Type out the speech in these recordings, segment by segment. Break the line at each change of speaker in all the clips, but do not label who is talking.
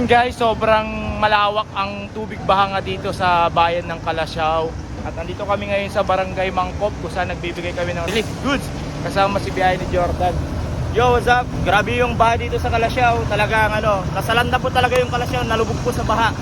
Ayun guys, sobrang malawak ang tubig baha nga dito sa bayan ng Calasiao. At andito kami ngayon sa Barangay Mangkop kung saan nagbibigay kami ng relief goods kasama si Biyahe ni Jordan. Yo, what's up? Grabe yung baha dito sa Calasiao. Talagang nasalanda po talaga yung Calasiao, nalubog po sa baha.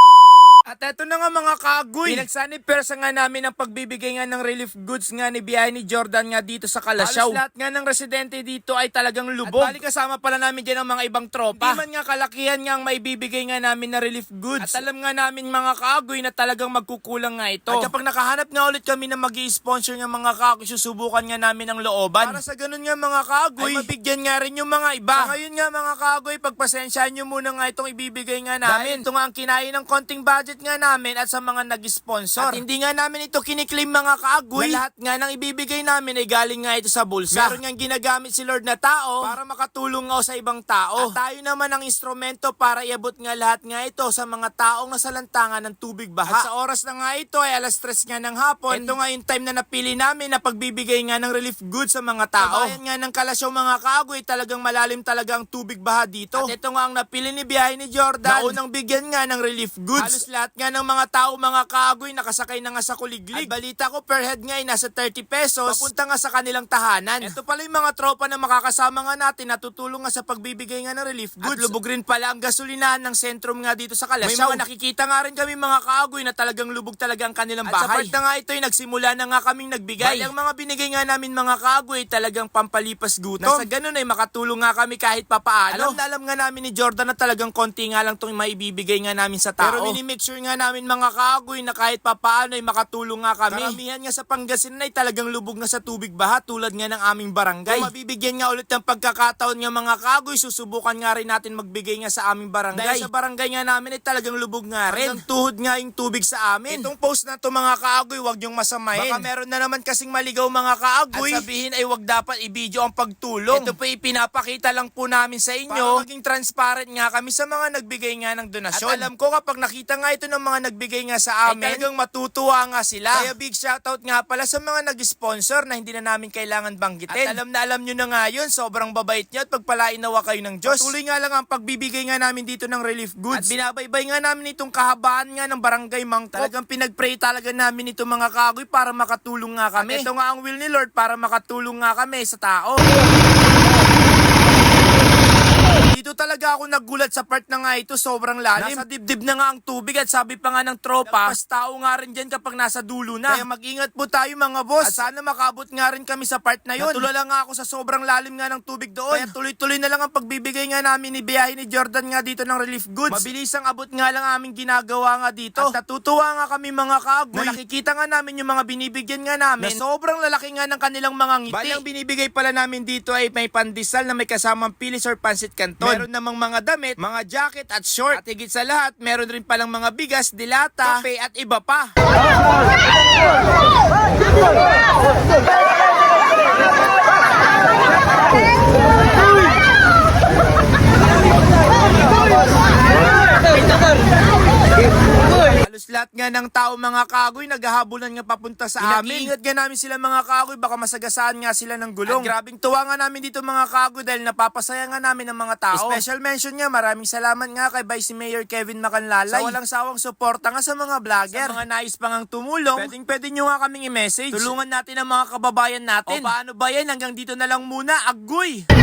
At eto na nga mga kaagoy, pinagsanib-persa nga namin ang pagbibigay nga ng relief goods nga ni Biyahe ni Jordan nga dito sa Calasiao. Halos lahat nga ng residente dito ay talagang lubog. At bali kasama pala namin dyan ang mga ibang tropa. Hindi man nga kalakihan nga ang maibibigay nga namin na relief goods. At alam nga namin mga kaagoy na talagang magkukulang nga ito. At kapag nakahanap nga ulit kami na mag-i-sponsor ng mga kaagoy, susubukan nga namin ang looban. Para sa ganun nga mga kaagoy, ay mabigyan nga rin yung mga iba. Sa ngayon nga mga kaagoy, pagpasensyahan nyo muna nga itong ibibigay nga namin. Dahil ito nga ang kinain ng konting budget nga namin at sa mga nag-sponsor. At hindi nga namin ito kiniklaim mga kaagoy. Na lahat nga ng ibibigay namin ay galing nga ito sa bulsa. Meron nga ginagamit si Lord na tao para makatulong nga sa ibang tao. At tayo naman ang instrumento para iabot nga lahat nga ito sa mga taong nasalantangan ng tubig baha. At sa oras na nga ito ay alas 3 nga ng hapon. Ito nga yung time na napili namin na pagbibigay nga ng relief goods sa mga tao. Sa bayan nga ng Calasiao mga kaagoy, talagang malalim talaga ang tubig baha dito. At ito nga ang napili ni Biyahe ni Jordan na unang bigyan nga ng relief goods. Halos lahat nga ng mga tao mga kaagoy nakasakay na nga sa kuliglig. At balita ko per head nga ay nasa 30 pesos papunta nga sa kanilang tahanan. Ito pala yung mga tropa na makakasama nga natin na tutulong nga sa pagbibigay nga ng relief goods. At lubog rin pala ang gasolinahan ng sentrum nga dito sa Calasiao. May mga nakikita nga rin kami mga kaagoy na talagang lubog talaga ang kanilang bahay. At sa part na nga ito ay nagsimula na nga kaming nagbigay. Bali ang mga binigay nga namin mga kaagoy talagang pampalipas gutom. Nasa ganun ay makatulong nga kami kahit papaano. Alam nga namin ni Jordan na talagang konti nga lang itong maibibigay nga namin sa tao. Pero minimake sure nga namin mga kaagoy na kahit papaano ay makatulong nga kami. Karamihan nga sa Pangasinan ay talagang lubog na sa tubig baha tulad nga ng aming barangay. Kung mabibigyan nga ulit ng pagkakataon nga mga kaagoy, susubukan nga rin natin magbigay nga sa aming barangay. Dahil sa barangay nga namin ay talagang lubog nga rin. Hanggang tuhod nga yung tubig sa amin. Itong post na to mga kaagoy, wag niyong masamahin. Baka meron na naman kasing maligaw mga kaagoy at sabihin ay wag dapat i-video ang pagtulong. Ito po ipinapakita lang po namin sa inyo para maging transparent nga kami sa mga nagbigay nga ng donasyon. At alam ko kapag nakita nga ito ng mga nagbigay nga sa amin, ay talagang matutuwa nga sila. Kaya big shoutout nga pala sa mga nag-sponsor na hindi na namin kailangan banggitin. At alam nyo na nga yun, sobrang babait nyo at pagpalain nawa kayo ng Diyos. Patuloy nga lang ang pagbibigay nga namin dito ng relief goods. At binabaybay nga namin itong kahabaan nga ng Barangay Mangkop. Talagang pinagpray talaga namin ito mga kaagoy para makatulong nga kami. At ito nga ang will ni Lord para makatulong nga kami sa tao. Dito talaga ako nagulat sa part na nga ito, sobrang lalim. Nasa dibdib na nga ang tubig at sabi pa nga ng tropa, mas tao nga rin dyan kapag nasa dulo na. Kaya mag-ingat po tayo mga boss. At sana makabot nga rin kami sa part na yun. Natulala nga ako sa sobrang lalim nga ng tubig doon. Kaya tuloy-tuloy na lang ang pagbibigay nga namin ni Biyahe ni Jordan nga dito ng relief goods. Mabilis ang abot nga lang aming ginagawa nga dito. At natutuwa nga kami mga kaagoy na nakikita nga namin yung mga binibigyan nga namin na sobrang lalaki nga ng kanilang mga ngiti. Bali ang binibigay pala namin dito ay may pandesal na may kasamang pilis or pansit canton. Meron namang mga damit, mga jacket at short. At higit sa lahat, meron rin palang mga bigas, dilata, kape at iba pa. Halos lahat nga ng tao mga kaagoy naghahabulan nga papunta sa amin. Ingat nga namin sila mga kaagoy, baka masagasaan nga sila ng gulong. At grabing tuwa nga namin dito mga kaagoy dahil napapasaya nga namin ng mga tao. Special mention nga, maraming salamat nga kay Vice Mayor Kevin Macanlalay sa walang sawang suporta nga sa mga vlogger. Sa mga nais pang ang tumulong, pwede nyo nga kaming i-message. Tulungan natin ang mga kababayan natin. O paano ba yan? Hanggang dito na lang muna. Agoy!